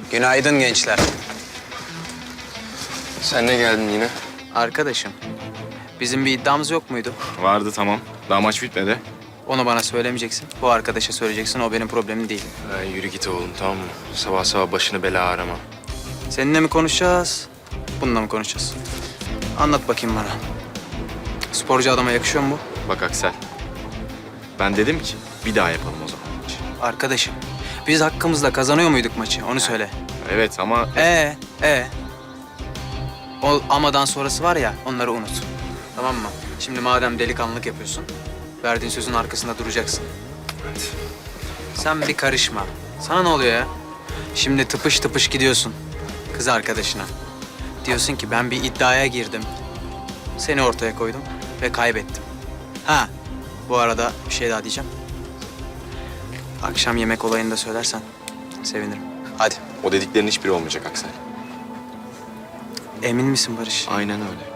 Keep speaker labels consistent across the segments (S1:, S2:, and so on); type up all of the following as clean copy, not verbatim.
S1: Günaydın gençler.
S2: Sen ne geldin yine?
S1: Arkadaşım, bizim bir iddiamız yok muydu?
S2: Vardı tamam. Daha maç bitmedi.
S1: Onu bana söylemeyeceksin. Bu arkadaşa söyleyeceksin. O benim problemim değil.
S2: Yürü git oğlum tamam mı? Sabah sabah başını bela arama.
S1: Seninle mi konuşacağız? Bununla mı konuşacağız? Anlat bakayım bana. Sporcu adama yakışıyor mu bu?
S2: Bak Aksel. Ben dedim ki bir daha yapalım o zaman.
S1: Arkadaşım, biz hakkımızla kazanıyor muyduk maçı? Onu söyle.
S2: Evet ama...
S1: O amadan sonrası var ya, onları unut. Tamam mı? Şimdi madem delikanlılık yapıyorsun, verdiğin sözün arkasında duracaksın.
S2: Evet.
S1: Sen bir karışma. Sana ne oluyor ya? Şimdi tıpış tıpış gidiyorsun kız arkadaşına. Diyorsun ki ben bir iddiaya girdim. Seni ortaya koydum ve kaybettim. Ha, bu arada bir şey daha diyeceğim. Akşam yemek olayını da söylersen sevinirim. Hadi.
S2: O dediklerin hiçbiri olmayacak Aksel.
S1: Emin misin Barış?
S2: Aynen öyle.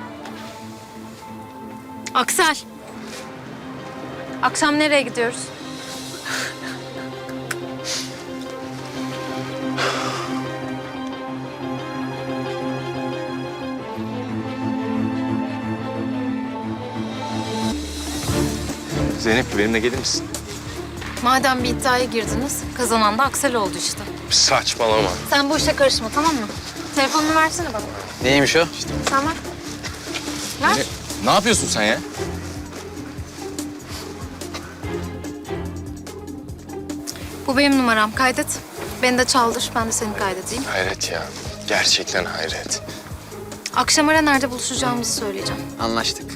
S3: Aksel. Akşam nereye gidiyoruz?
S2: Zeynep benimle gelir misin?
S3: Madem bir iddiaya girdiniz, kazanan da Aksel oldu işte.
S2: Saçmalama.
S3: Sen bu işe karışma, tamam mı? Telefonunu versene bana.
S1: Neymiş o?
S3: Sen ver. Ver.
S2: Ne yapıyorsun sen ya?
S3: Bu benim numaram, kaydet. Beni de çaldır, ben de seni kaydedeyim.
S2: Hayret ya. Gerçekten hayret.
S3: Akşam ara nerede buluşacağımızı söyleyeceğim.
S1: Anlaştık.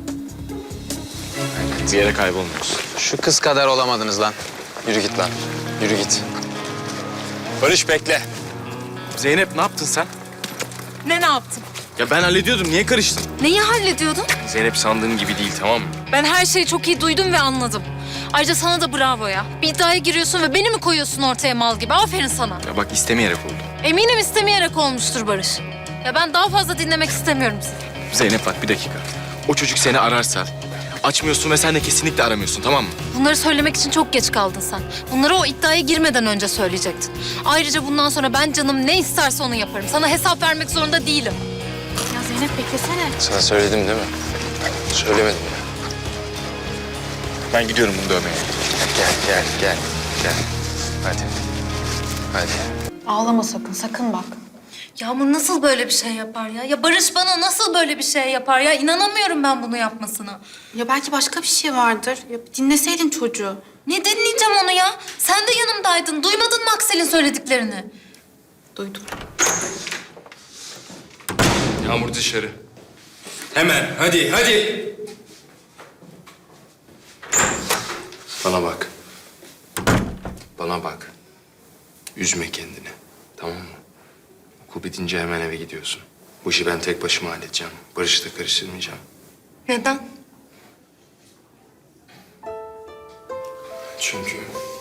S2: Bir yere kaybolmuyoruz.
S1: Şu kız kadar olamadınız lan.
S2: Yürü git lan. Yürü git. Barış bekle. Zeynep ne yaptın sen?
S3: Ne yaptın?
S2: Ya ben hallediyordum. Niye karıştın?
S3: Neyi hallediyordun?
S2: Zeynep sandığın gibi değil tamam mı?
S3: Ben her şeyi çok iyi duydum ve anladım. Ayrıca sana da bravo ya. Bir iddiaya giriyorsun ve beni mi koyuyorsun ortaya mal gibi? Aferin sana.
S2: Ya bak istemeyerek oldu.
S3: Eminim istemeyerek olmuştur Barış. Ya ben daha fazla dinlemek istemiyorum sizi.
S2: Zeynep bak bir dakika. O çocuk seni ararsa açmıyorsun ve sen de kesinlikle aramıyorsun tamam mı?
S3: Bunları söylemek için çok geç kaldın sen. Bunları o iddiaya girmeden önce söyleyecektin. Ayrıca bundan sonra ben canım ne isterse onu yaparım. Sana hesap vermek zorunda değilim. Ya Zeynep beklesene.
S2: Sana söyledim değil mi? Söylemedim ya. Ben gidiyorum bunu dövmeye. Gel. Hadi.
S4: Ağlama sakın, sakın bak.
S3: Yağmur nasıl böyle bir şey yapar ya? Ya Barış bana nasıl böyle bir şey yapar ya? İnanamıyorum ben bunu yapmasına.
S4: Ya belki başka bir şey vardır. Ya dinleseydin çocuğu.
S3: Ne dinleyeceğim onu ya? Sen de yanımdaydın. Duymadın mı Aksel'in söylediklerini?
S4: Duydum.
S5: Yağmur dışarı. Hemen hadi.
S2: Bana bak. Üzme kendini. Tamam mı? Okul bitince hemen eve gidiyorsun. Bu işi ben tek başıma halledeceğim. Barış'ı da karıştırmayacağım.
S3: Neden?
S2: Çünkü...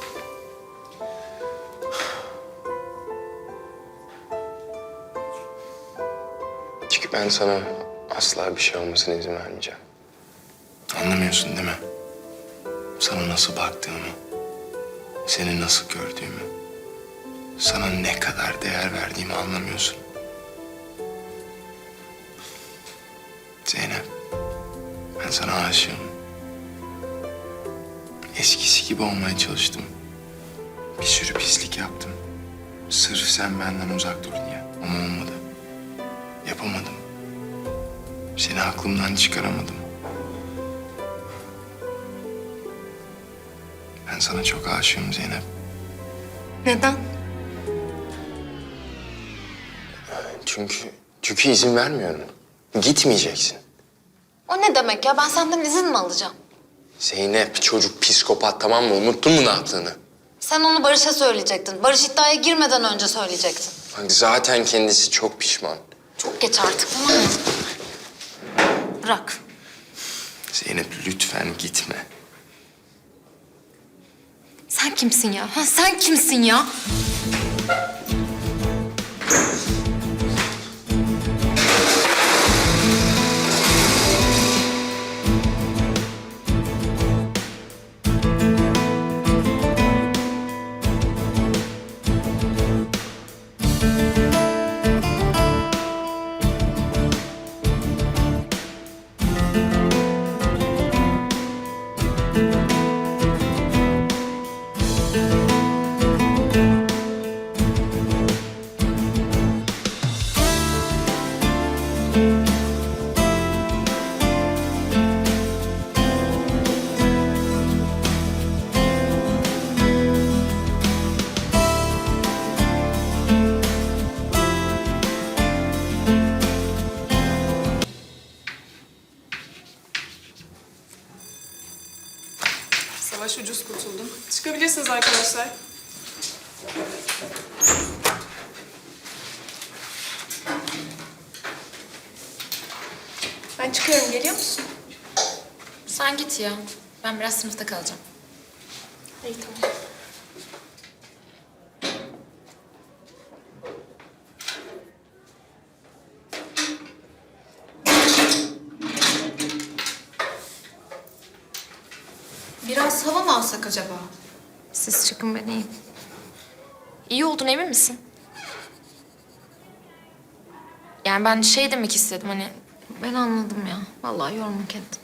S2: Çünkü ben sana asla bir şey olmasına izin vermeyeceğim. Anlamıyorsun değil mi? Sana nasıl baktığımı, seni nasıl gördüğümü, sana ne kadar değer verdiğimi anlamıyorsun. Zeynep, ben sana aşığım. Eskisi gibi olmaya çalıştım. Bir sürü pislik yaptım. Sırf sen benden uzak dur diye. Ama olmadı. Yapamadım. Seni aklımdan çıkaramadım. Ben sana çok aşığım Zeynep.
S3: Neden?
S2: Çünkü izin vermiyorum. Gitmeyeceksin.
S3: O ne demek ya? Ben senden izin mi alacağım?
S2: Zeynep çocuk psikopat tamam mı? Unuttun mu ne yaptığını?
S3: Sen onu Barış'a söyleyecektin. Barış iddiaya girmeden önce söyleyecektin.
S2: Bak zaten kendisi çok pişman.
S3: Çok geç artık, tamam mı? Bırak.
S2: Zeynep lütfen gitme.
S3: Sen kimsin ya? Ha, sen kimsin ya?
S6: çıkıyorum, geliyor musun?
S3: Sen git ya. Ben biraz sınıfta kalacağım.
S6: İyi, tamam.
S4: Biraz hava mı alsak acaba?
S3: Siz çıkın, ben iyiyim. İyi oldun, emin misin? Yani ben şey demek istedim hani... Ben anladım ya. Vallahi yorma kendimi.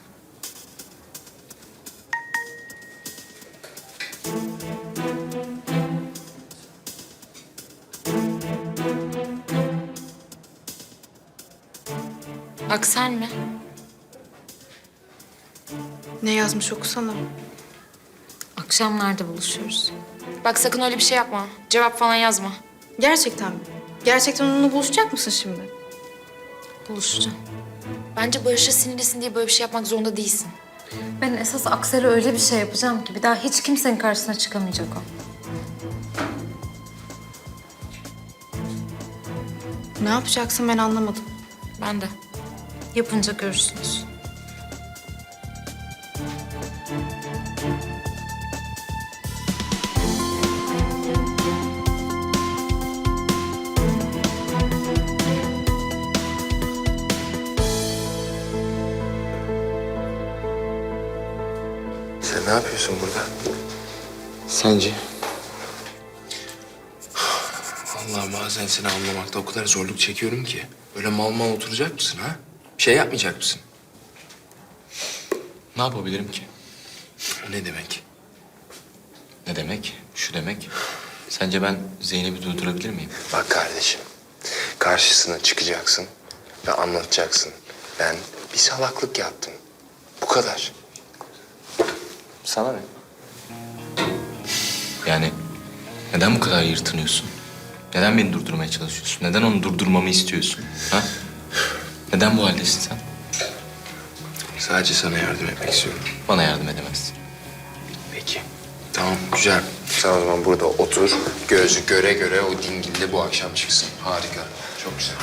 S3: Aksel mi?
S4: Ne yazmış okusana.
S3: Akşam nerede buluşuyoruz? Bak sakın öyle bir şey yapma. Cevap falan yazma.
S4: Gerçekten mi? Gerçekten onunla buluşacak mısın şimdi?
S3: Buluşacağım. Bence Barış'a sinirlisin diye böyle bir şey yapmak zorunda değilsin. Ben esas Aksel'e öyle bir şey yapacağım ki bir daha hiç kimsenin karşısına çıkamayacak o.
S4: Ne yapacaksın ben anlamadım.
S3: Ben de. Yapınca görürsünüz.
S2: Sen ne yapıyorsun burada? Sence? Vallahi bazen seni anlamakta o kadar zorluk çekiyorum ki. Böyle mal mal oturacak mısın ha? Bir şey yapmayacak mısın?
S5: Ne yapabilirim ki?
S2: O ne demek?
S5: Ne demek? Şu demek. Sence ben Zeynep'i durdurabilir miyim?
S2: Bak kardeşim, karşısına çıkacaksın ve anlatacaksın. Ben bir salaklık yaptım. Bu kadar.
S5: Sana ne? Yani neden bu kadar yırtınıyorsun? Neden beni durdurmaya çalışıyorsun? Neden onu durdurmamı istiyorsun? Ha? Neden bu haldesin sen?
S2: Sadece sana yardım etmek istiyorum.
S5: Bana yardım edemezsin.
S2: Peki. Tamam, güzel. Sen o zaman burada otur. Gözü göre göre o dingilde bu akşam çıksın. Harika. Çok güzel.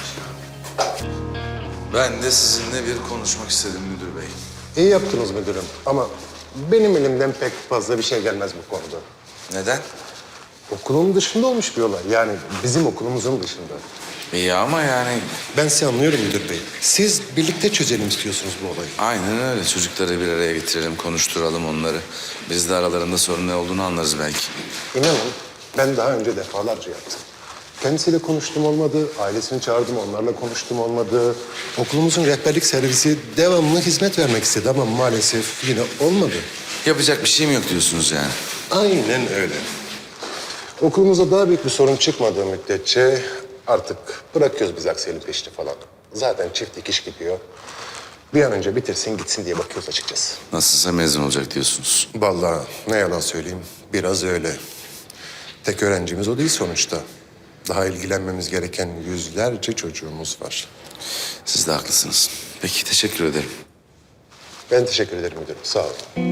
S7: Ben de sizinle bir konuşmak istedim müdür bey.
S8: İyi yaptınız müdürüm ama benim elimden pek fazla bir şey gelmez bu konuda.
S7: Neden?
S8: Okulun dışında olmuş bir olay. Yani bizim okulumuzun dışında.
S7: İyi ama yani
S8: Ben sizi anlıyorum müdür bey. Siz birlikte çözelim istiyorsunuz bu olayı.
S7: aynen öyle. Çocukları bir araya getirelim, konuşturalım onları. Biz de aralarında sorun ne olduğunu anlarız belki.
S8: İnanın ben daha önce defalarca yaptım. Kendisiyle konuştum olmadı, ailesini çağırdım onlarla konuştum olmadı. Okulumuzun rehberlik servisi devamlı hizmet vermek istedi ama maalesef yine olmadı.
S7: Yapacak bir şeyim yok diyorsunuz yani.
S8: Aynen öyle. Okulumuzda daha büyük bir sorun çıkmadığı müddetçe artık bırakıyoruz biz Aksel'in peşini falan. Zaten çift dikiş gidiyor. Bir an önce bitirsin gitsin diye bakıyoruz açıkçası.
S7: Nasılsa mezun olacak diyorsunuz.
S8: Vallahi ne yalan söyleyeyim biraz öyle. Tek öğrencimiz o değil sonuçta. Daha ilgilenmemiz gereken yüzlerce çocuğumuz var.
S7: Siz de haklısınız. Peki, teşekkür ederim.
S8: Ben teşekkür ederim müdürüm. Sağ olun.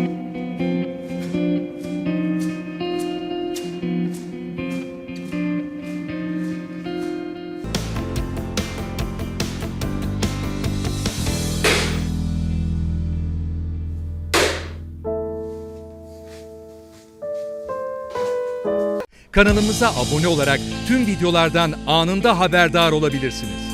S9: Kanalımıza abone olarak tüm videolardan anında haberdar olabilirsiniz.